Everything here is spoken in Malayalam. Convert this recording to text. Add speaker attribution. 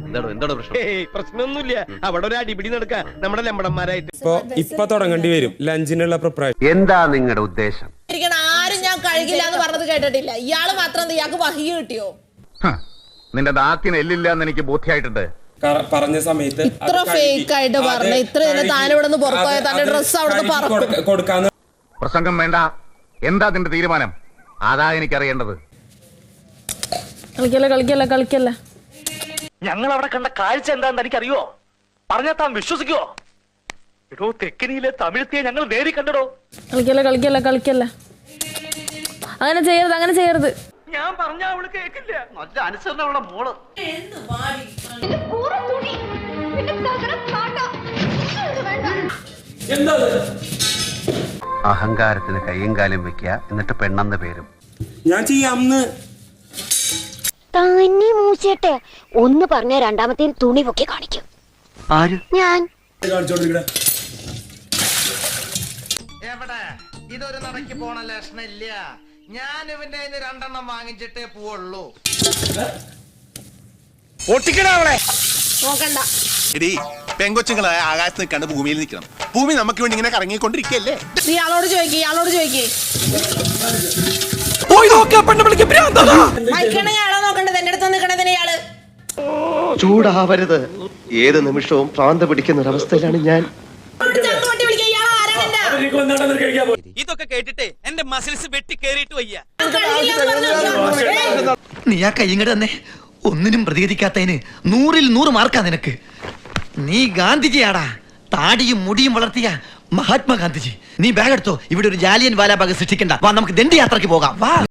Speaker 1: എന്താണ് പ്രശ്നം?
Speaker 2: പ്രശ്നമൊന്നുമില്ല. അവിടെ ഒരു അടിപിടി നടക്കുക നമ്മുടെ ലമ്പടന്മാരായിട്ട്.
Speaker 3: ഇപ്പൊ തുടങ്ങേണ്ടി വരും ലഞ്ചിനുള്ള പ്രിപ്പറേഷൻ.
Speaker 1: എന്താ നിങ്ങളുടെ ഉദ്ദേശം?
Speaker 4: ആരും ഞാൻ കഴിക്കില്ല എന്ന് പറഞ്ഞത് കേട്ടിട്ടില്ല. ഇയാള് മാത്രം ഇയാൾക്ക് വഹിയ കിട്ടിയോ?
Speaker 1: നിന്റെ നാക്കിന് എല്ലില്ല എന്ന് എനിക്ക് ബോധ്യമായിട്ടുണ്ട്.
Speaker 3: പറഞ്ഞ സമയത്ത്
Speaker 4: ഇത്ര ഫേക്ക് ആയിട്ട് പറഞ്ഞ ഇത്ര താനിവിടെ നിന്ന് പുറത്തുപോയ തന്റെ ഡ്രസ് അവിടെ
Speaker 3: കൊടുക്കാന്ന്.
Speaker 1: പ്രസംഗം വേണ്ട. എന്താ നിന്റെ തീരുമാനം? അതാ എനിക്കറിയേണ്ടത്.
Speaker 4: കളിക്കല്ല
Speaker 5: ഞങ്ങൾ അവിടെ കണ്ട കാഴ്ച എന്താന്ന് എനിക്കറിയോ? പറഞ്ഞാൽ താൻ വിശ്വസിക്കോ? എടോ, തെക്കനിയിലെ തമിഴത്തിയെ ഞങ്ങൾ നേരി കണ്ടടോ.
Speaker 4: കളിക്കല്ല അങ്ങനെ ചെയ്യരുത്.
Speaker 5: ഞാൻ പറഞ്ഞ അവള് കേക്കില്ല. നല്ല അനുസരണ അവളുടെ മോള്.
Speaker 1: അഹങ്കാരത്തിന് കയ്യും കാലും വെക്കുക, എന്നിട്ട് പെണ്ണെന്ന പേരും.
Speaker 3: ഞാൻ ചെയ്യാംന്ന്
Speaker 6: തന്നെ മൂച്ചേട്ടെ ഒന്ന് പറഞ്ഞ രണ്ടാമത്തെ തുണി പൊക്കി കാണിക്കും.
Speaker 1: ആര്?
Speaker 6: ഞാൻ.
Speaker 7: എവിടെ ഇതൊരു നടക്ക് പോണ ലക്ഷണില്ല. ഞാൻ ഇവന്റെ രണ്ടെണ്ണം വാങ്ങിച്ചിട്ടേ പോവുള്ളൂ.
Speaker 4: നോക്കണ്ട.
Speaker 8: എടീ, പെങ്കൊച്ചുങ്ങളായ ആകാശത്ത് നിൽക്കാണ്ട് ഭൂമിയിൽ നിൽക്കണം. ഭൂമി നമുക്ക് വേണ്ടി ഇങ്ങനെ കറങ്ങിക്കൊണ്ടിരിക്കല്ലേ?
Speaker 4: ഇയാളോട് ചോദിക്കേ മൈക്കണയാണോ നോക്കണ്ടത്? എന്റെ അടുത്ത് നിൽക്കണതിന് ഇയാള്
Speaker 2: ചൂടാവരുത്. ഏത് നിമിഷവും ഭ്രാന്ത് പിടിക്കുന്ന ഒരവസ്ഥയിലാണ് ഞാൻ.
Speaker 5: ഇതൊക്കെ കേട്ടിട്ട് എന്റെ മസിൽസ് വെട്ടി കേറിയിട്ട് വയ്യ.
Speaker 7: നീ ആ കൈങ്ങട് തന്നെ ഒന്നിനും പ്രതികരിക്കാത്തതിന് 100-ൽ 100 മാർക്കാ നിനക്ക്. നീ ഗാന്ധിജിയാടാ. താടിയും മുടിയും വളർത്തിയ മഹാത്മാഗാന്ധിജി. നീ ബാഗ് എടുത്തോ. ഇവിടെ ഒരു ജാലിയൻ വാലാബാഗ് സൃഷ്ടിക്കണ്ട. വാ, നമുക്ക് ദണ്ഡിയാത്രയ്ക്ക് പോകാം. വാ.